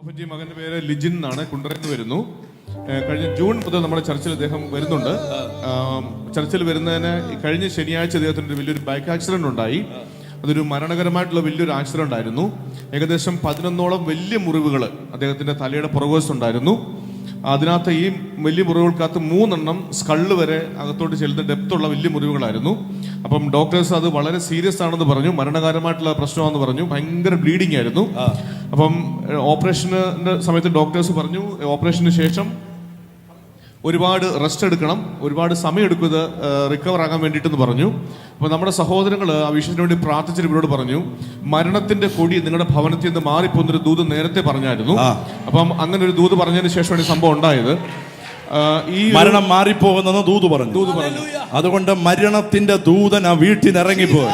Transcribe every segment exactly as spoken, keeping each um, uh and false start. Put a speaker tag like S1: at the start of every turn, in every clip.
S1: G മകന്റെ പേര് ലിജിൻ എന്നാണ്, കുണ്ടറയിൽ നിന്ന് വരുന്നു. കഴിഞ്ഞ ജൂൺ മുതൽ നമ്മുടെ ചർച്ചിൽ അദ്ദേഹം വരുന്നുണ്ട്. ചർച്ചിൽ വരുന്നതിന് കഴിഞ്ഞ ശനിയാഴ്ച അദ്ദേഹത്തിന് വലിയൊരു ബൈക്ക് ആക്സിഡന്റ് ഉണ്ടായി. അതൊരു മരണകരമായിട്ടുള്ള വലിയൊരു ആക്സിഡന്റ് ആയിരുന്നു. ഏകദേശം പതിനൊന്നോളം വലിയ മുറിവുകൾ അദ്ദേഹത്തിന്റെ തലയുടെ പുറകുവശത്തുണ്ടായിരുന്നു. അതിനകത്ത് ഈ വലിയ മുറിവുകൾക്കകത്ത് മൂന്നെണ്ണം സ്കള്ള് വരെ അകത്തോട്ട് ചെല്ലുന്ന ഡെപ്തുള്ള വലിയ മുറിവുകളായിരുന്നു. അപ്പം ഡോക്ടേഴ്സ് അത് വളരെ സീരിയസ് ആണെന്ന് പറഞ്ഞു, മരണകരമായിട്ടുള്ള പ്രശ്നമാണെന്ന് പറഞ്ഞു. ഭയങ്കര ബ്ലീഡിംഗ് ആയിരുന്നു. അപ്പം ഓപ്പറേഷന്റെ സമയത്ത് ഡോക്ടേഴ്സ് പറഞ്ഞു ഓപ്പറേഷന് ശേഷം ഒരുപാട് റെസ്റ്റ് എടുക്കണം, ഒരുപാട് സമയം എടുക്കും ഇത് റിക്കവർ ആകാൻ വേണ്ടിയിട്ടെന്ന് പറഞ്ഞു. അപ്പോൾ നമ്മുടെ സഹോദരങ്ങൾ ആ വിഷയത്തിന് വേണ്ടി പ്രാർത്ഥിച്ചിട്ട് ഇവരോട് പറഞ്ഞു, മരണത്തിന്റെ കൊടി നിങ്ങളുടെ ഭവനത്തിൽ നിന്ന് മാറിപ്പോന്നൊരു ദൂത് നേരത്തെ പറഞ്ഞായിരുന്നു. അപ്പം അങ്ങനെ ഒരു ദൂത് പറഞ്ഞതിന് ശേഷമാണ് ഈ സംഭവം ഉണ്ടായത്.
S2: ഈ മരണം മാറിപ്പോകുന്ന ദൂത് പറഞ്ഞു ദൂത് പറഞ്ഞു അതുകൊണ്ട് മരണത്തിന്റെ ദൂതൻ ആ വീട്ടിൽ നിന്ന് ഇറങ്ങിപ്പോയി.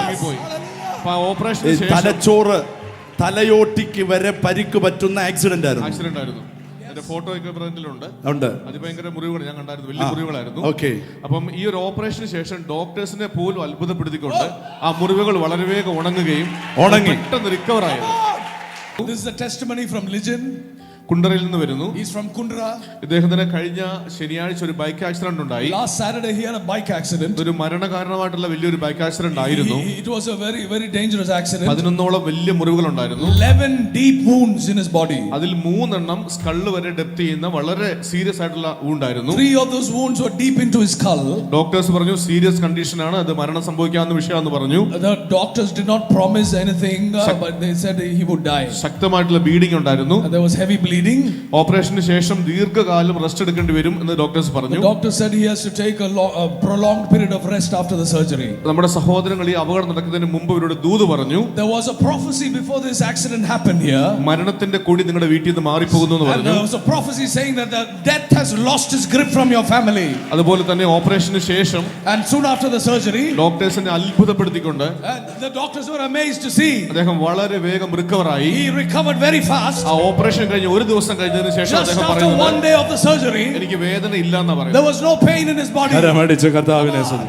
S1: ഓപ്പറേഷൻ
S2: തലച്ചോറ് തലയോട്ടിക്ക് വരെ പരിക്ക് പറ്റുന്ന ആക്സിഡന്റ് ആയിരുന്നു
S1: ആക്സിഡന്റ് ആയിരുന്നു ഫോട്ടോ ഒക്കെ ഉണ്ട്. അതിഭയങ്കര മുറിവുകൾ ഞാൻ കണ്ടായിരുന്നു, വലിയ മുറിവുകളായിരുന്നു. അപ്പം ഈ ഒരു ഓപ്പറേഷന് ശേഷം ഡോക്ടേഴ്സിനെ പോലും അത്ഭുതപ്പെടുത്തിക്കൊണ്ട് ആ മുറിവുകൾ വളരെ വേഗം ഉണങ്ങുകയും ഉണങ്ങി പെട്ടെന്ന് റിക്കവർ ആയത്.
S3: This is a testimony from Lijin.
S1: കുണ്ടറയിൽ നിന്ന് വരുന്നു.
S3: He's from Kundra.
S1: ഇദ്ദേഹത്തിന് കഴിഞ്ഞ ശനിയാഴ്ച ഒരു ബൈക്ക് ആക്സിഡന്റ് ഉണ്ടായി.
S3: Last Saturday he had a bike accident.
S1: ഒരു മരണകാരണമായിട്ടുള്ള വലിയൊരു ബൈക്ക് ആക്സിഡന്റ് ആയിരുന്നു.
S3: It was a very very dangerous accident.
S1: പതിനൊന്നോളം വലിയ മുറിവുകൾ ഉണ്ടായിരുന്നു.
S3: eleven deep wounds in his body.
S1: അതിൽ മൂന്നെണ്ണം സ്കള്ള് വരെ ഡെപ്ത് ചെയ്യുന്ന വളരെ സീരിയസ് ആയിട്ടുള്ള wound ആയിരുന്നു.
S3: Three of those wounds were deep into his skull.
S1: Doctors പറഞ്ഞു സീരിയസ് കണ്ടീഷൻ ആണ്, അത് മരണം സംഭവിക്കാവുന്ന വിഷയമാണെന്ന് പറഞ്ഞു.
S3: The doctors did not promise anything, uh, but they said he would die.
S1: ശക്തമായിട്ടുള്ള ബ്ലീഡിംഗ് ഉണ്ടായിരുന്നു.
S3: There was heavy bleeding.
S1: ഓപ്പറേഷന് ശേഷം ദീർഘകാലം റെസ്റ്റ് എടുക്കേണ്ടി വരും എന്ന് ഡോക്ടേഴ്സ് പറഞ്ഞു.
S3: The doctor said he has to take a, lo- a prolonged period of rest after the surgery.
S1: നമ്മുടെ സഹോദരങ്ങൾ ഈ അപകടം നടക്കുന്നതിന് മുമ്പ് ഇവരോട് ദൂത് പറഞ്ഞു.
S3: There was a prophecy before this accident happened here.
S1: മരണത്തിന്റെ കൊടി നിങ്ങളുടെ വീട്ടിൽ നിന്ന് മാറിപ്പോകുന്നു എന്ന് പറഞ്ഞു.
S3: There was a prophecy saying that the death has lost its grip from your family.
S1: അതുപോലെ തന്നെ ഓപ്പറേഷന് ശേഷം
S3: And soon after the surgery,
S1: ഡോക്ടേഴ്സിനെ അത്ഭുതപ്പെടുത്തിക്കൊണ്ട്
S3: the doctors were amazed to see
S1: അദ്ദേഹം വളരെ വേഗം റിക്കവർ ആയി.
S3: he recovered very fast.
S1: ആ operation കഴിഞ്ഞ് ഒരു ദിവസം കഴിഞ്ഞതിന് ശേഷം
S3: അദ്ദേഹം പറയുന്നത് just after one day of the surgery,
S1: എനിക്ക് വേദന ഇല്ല എന്നാ പറയുന്നത്.
S3: There was no pain in his body.
S2: കരമടിച്ച് കർത്താവിനെ സ്തുതി.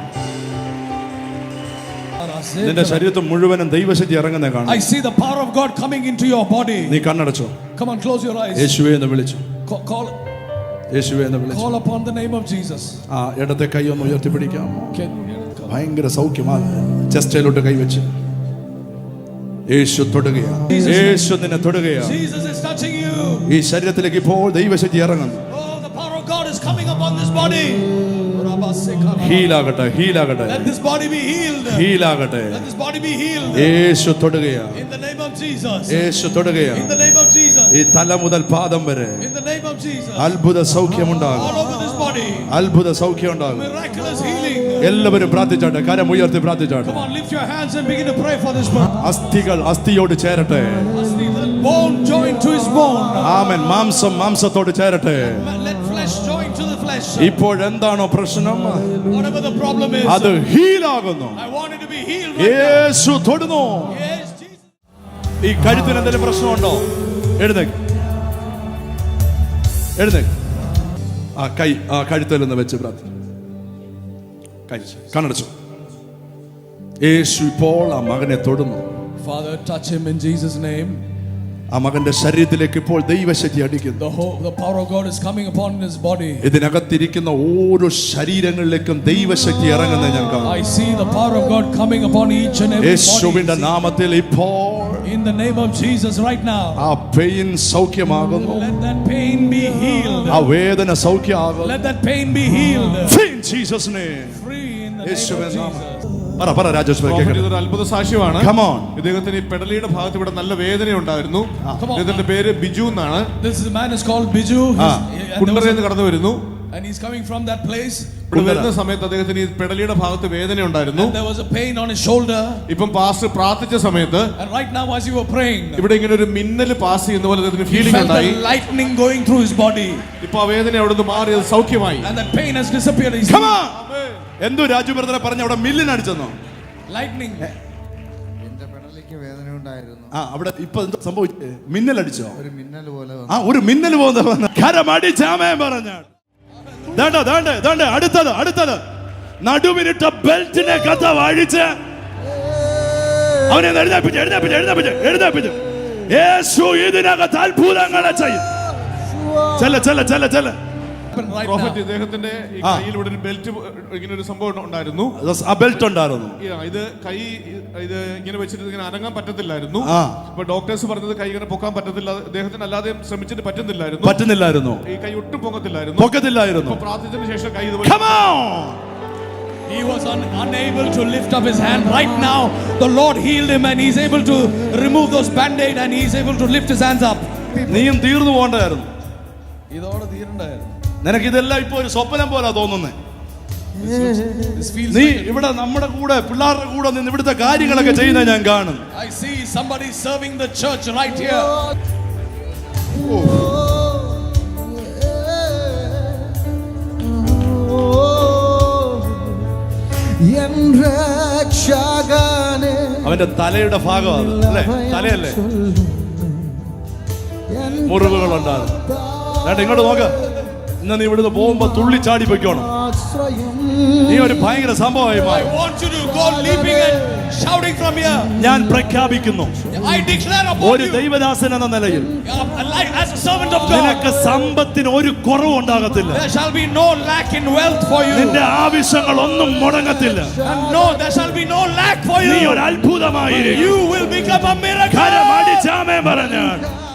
S2: നിന്റെ ശരീരത്തിൽ മുഴുവനും ദൈവശക്തി ഇറങ്ങുന്ന കാണാം.
S3: I see the power of God coming into your body.
S2: നീ കണ്ണടച്ചോ.
S3: Come on, close your eyes.
S2: യേശുവേ എന്ന് വിളിച്ചു.
S3: Call
S2: യേശുവേ എന്ന് വിളിച്ചു.
S3: Call upon the name of Jesus.
S2: ആ ഇടത്തെ കൈ ഒന്ന് ഉയർത്തി പിടിക്കാം. ഭയങ്കര സൗഖ്യമാണ്. ചെസ്റ്റിലോട്ട് കൈവച്ച് യേശു തൊടുകയാണ്. യേശു നിന്നെ തൊടുകയാണ്.
S3: Jesus is touching you.
S2: ഈ ശരീരത്തിലേക്ക് ഇപ്പോൾ ദൈവശക്തി ഇറങ്ങുന്നു.
S3: Oh, the power of God is coming upon this body.
S2: ഹീലാകട്ടെ, ഹീലാകട്ടെ.
S3: Let this body be healed.
S2: ഹീലാകട്ടെ.
S3: Let this body be healed.
S2: Yeshu തൊടുകയാണ്.
S3: In the name of Jesus.
S2: Yeshu തൊടുകയാണ്.
S3: In the name of Jesus.
S2: ഈ തല മുതൽ പാദം വരെ
S3: In the name of Jesus.
S2: അത്ഭുത സൗഖ്യമുണ്ടാകും.
S3: All over this body.
S2: അത്ഭുത സൗഖ്യമുണ്ടാകും.
S3: Miraculous healing.
S2: എല്ലാവരും പ്രാർത്ഥിച്ചാട്ടെ, കരം ഉയർത്തി പ്രാർത്ഥിച്ചാട്ടെ.
S3: Come on, lift your hands and begin to pray for this man.
S2: അസ്ഥികൾ അസ്ഥിയോട് ചേരട്ടെ.
S3: Bone join to his bone.
S2: ആമേൻ. മാംസം മാംസത്തോട് ചേരട്ടെ.
S3: Let flesh join to the flesh.
S2: ഇപ്പോൾ എന്താണോ പ്രശ്നം,
S3: whatever the problem is,
S2: അത് ഹീലാകുന്നു.
S3: I want it to be healed right
S2: Yeshu തൊടുന്നു.
S3: now. Yes, Jesus.
S2: ഈ കഴുത്തിന് എന്തെങ്കിലും പ്രശ്നമുണ്ടോ? എഴുന്നേക്ക്, എഴുന്നേക്ക്. ആ കൈ ആ കഴുത്തിൽ നിന്ന് വെച്ച് പ്രാർത്ഥന. കൈ കണ്ണടച്ചു. യേശു ഇപ്പോൾ ആ മകനെ തൊടുന്നു.
S3: Father, touch him in Jesus' name.
S2: ആ മകന്റെ ശരീരത്തിലേക്ക് ഇപ്പോൾ ദൈവശക്തി അടിക്കുന്നു.
S3: The whole, the power of God is coming upon his body.
S2: ഇതിനകത്തിരിക്കുന്ന ഓരോ ശരീരങ്ങളിലേക്കും ദൈവശക്തി ഇറങ്ങുന്നത് ഞാൻ കാണുന്നു.
S3: I see the power of God coming upon each and every
S2: യേശുവിന്റെ
S3: body.
S2: നാമത്തിൽ ഇപ്പോൾ
S3: In the name of Jesus right now.
S2: ആ പെയിൻ സൗഖ്യമാകുന്നു.
S3: Let that pain be healed.
S2: ആ വേദന സൗഖ്യമാകുന്നു.
S3: Let that pain be healed.
S2: Free in Jesus name.
S3: Free in the name of Jesus.
S2: പറ പറ രാജേഷ് ഭായ് കേൾക്കട്ടെ.
S1: ഇതൊരു അത്ഭുത സാക്ഷ്യമാണ്.
S2: Come on.
S1: ഇദ്ദേഹത്തിന് ഈ പെടലിയുടെ ഭാഗത്ത് ഇവിടെ നല്ല വേദന ഉണ്ടായിരുന്നു. ഇദ്ദേഹത്തിന്റെ പേര് ബിജു എന്നാണ്.
S3: This is a man is called Biju.
S1: കുണ്ടറയിൽ നിന്ന് കടന്നു വരുന്നു.
S3: And he's coming from that place.
S1: ഇവിടെ വരുന്ന സമയത്ത് അദ്ദേഹത്തിന് ഈ പെടലിയുടെ ഭാഗത്ത് വേദന ഉണ്ടായിരുന്നു.
S3: There was a pain on his shoulder.
S1: ഇപ്പം പാസ്റ്റർ പ്രാർത്ഥിച്ച സമയത്ത്
S3: And right now as you were praying,
S1: ഇവിടെ ഇങ്ങനെ ഒരു മിന്നൽ പാസ് ചെയ്യുന്ന പോലെ അദ്ദേഹത്തിന്
S3: he
S1: ഫീലിംഗ്
S3: felt
S1: ഉണ്ടായി.
S3: the lightning going through his body.
S1: ഇപ്പൊ ആ വേദന അവിടെ നിന്ന് മാറി അത് സൗഖ്യമായി.
S3: And that pain has disappeared. He's
S2: Come on. എന്തോ രാജു ബ്രദറെ പറഞ്ഞ അവിടെ മില്ലിൻ അടിച്ചെന്നോ?
S3: lightning.
S4: എന്റെ പെടലിക്ക് വേദന ഉണ്ടായിരുന്നു.
S2: ആ അവിടെ ഇപ്പൊ എന്താ സംഭവിച്ചേ? മിന്നൽ അടിച്ചോ?
S4: ഒരു മിന്നൽ പോലെ
S2: ആ ഒരു മിന്നൽ പോകുന്ന കരമടിച്ചാമേ പറഞ്ഞ ദാണ്ട ദാണ്ട ദാണ്ട അടുത്തത് അടുത്തത് നടുവിനിട്ട ബെൽറ്റിനെ കഥ വാഴിച്ച് അവനെ എഴുന്നേപ്പിച്ച് എഴുന്നേപ്പിച്ച് എഴുന്നേപ്പിച്ച് എഴുന്നേപ്പിച്ച് യേശു ഇതിനകത്ത് അത്ഭുതങ്ങളെ ചെയ്യും. ചെല്ല ചെല്ല ചെല്ല ചെല്ല.
S3: Right
S1: prophet
S3: now.
S1: ഇദ്ദേഹത്തിന്റെ ഈ
S2: ആ.
S1: കയ്യിൽ ഇവിടെ ഒരു ബെൽറ്റ് ഇങ്ങനെ ഒരു സംഭവം ഉണ്ടായിരുന്നു.
S2: ആ ബെൽറ്റ് ഉണ്ടായിരുന്നു.
S1: ഈ- ഇത് കൈ ഇത് ഇങ്ങനെ വെച്ചിട്ട് ഇങ്ങനെ അനങ്ങാൻ പറ്റത്തില്ലായിരുന്നു.
S2: ആ.
S1: അപ്പൊ ഡോക്ടേഴ്സ് പറഞ്ഞത് കൈ ഇങ്ങനെ പൊക്കാൻ പറ്റത്തില്ല, അദ്ദേഹത്തിന് അല്ലാതെ ശ്രമിച്ചിട്ട് പറ്റുന്നില്ലായിരുന്നു.
S2: പറ്റുന്നില്ലായിരുന്നു,
S1: ഈ കൈ ഒട്ടും പൊങ്ങത്തില്ലായിരുന്നു.
S2: പൊക്കത്തില്ലായിരുന്നു.
S1: അപ്പൊ പ്രാർത്ഥിച്ചതിന് ശേഷം കൈ ഇതുപോലെ
S2: Come on.
S3: He was un- unable to lift up his hand. Right now, the Lord healed him and he's able to remove those band-aid and he's able to lift his hands up.
S2: നീയും തീർന്നു പോകണ്ടായിരുന്നു.
S3: ഇതോടെ തീരണ്ടായിരുന്നു.
S2: നിനക്ക് ഇതെല്ലാം ഇപ്പൊ ഒരു സ്വപ്നം പോലെ തോന്നുന്നേ.
S3: This feels
S2: നീ
S3: like
S2: ഇവിടെ നമ്മുടെ കൂടെ പിള്ളേരുടെ കൂടെ നിന്ന് ഇവിടുത്തെ കാര്യങ്ങളൊക്കെ ചെയ്യുന്ന ഞാൻ കാണും.
S3: I see somebody serving the church right here.
S2: അവന്റെ തലയുടെ ഭാഗം അത് അല്ലേ, തലയല്ലേ, മുറിവുകൾ ഉണ്ടാകും. ഇങ്ങോട്ട് നോക്ക. ഇന്ന് നീ ഇവിടുന്ന് പോകുമ്പോ തുള്ളി ചാടി പൊയ്ക്കോണം. നീ ഒരു ഭയങ്കര സംഭവമായി
S3: I
S2: മാറി.
S3: want you to go leaping and shouting from here.
S2: ഞാൻ പ്രഖ്യാപിക്കുന്നു,
S3: I declare upon
S2: ഒരു
S3: you,
S2: ദൈവദാസൻ എന്ന നിലയിൽ
S3: uh, like as a servant of God,
S2: നിനക്ക് സമ്പത്തിന് ഒരു കുറവും ഉണ്ടാകത്തില്ല.
S3: there shall be no lack in wealth for you.
S2: നിന്റെ ആവശ്യങ്ങൾ ഒന്നും മുടങ്ങത്തില്ല.
S3: And no, there shall be no lack for
S2: നീ
S3: you.
S2: ഒരു അത്ഭുതമായി.
S3: You will become a miracle.
S2: കരമടിച്ചാമേ പറഞ്ഞാൽ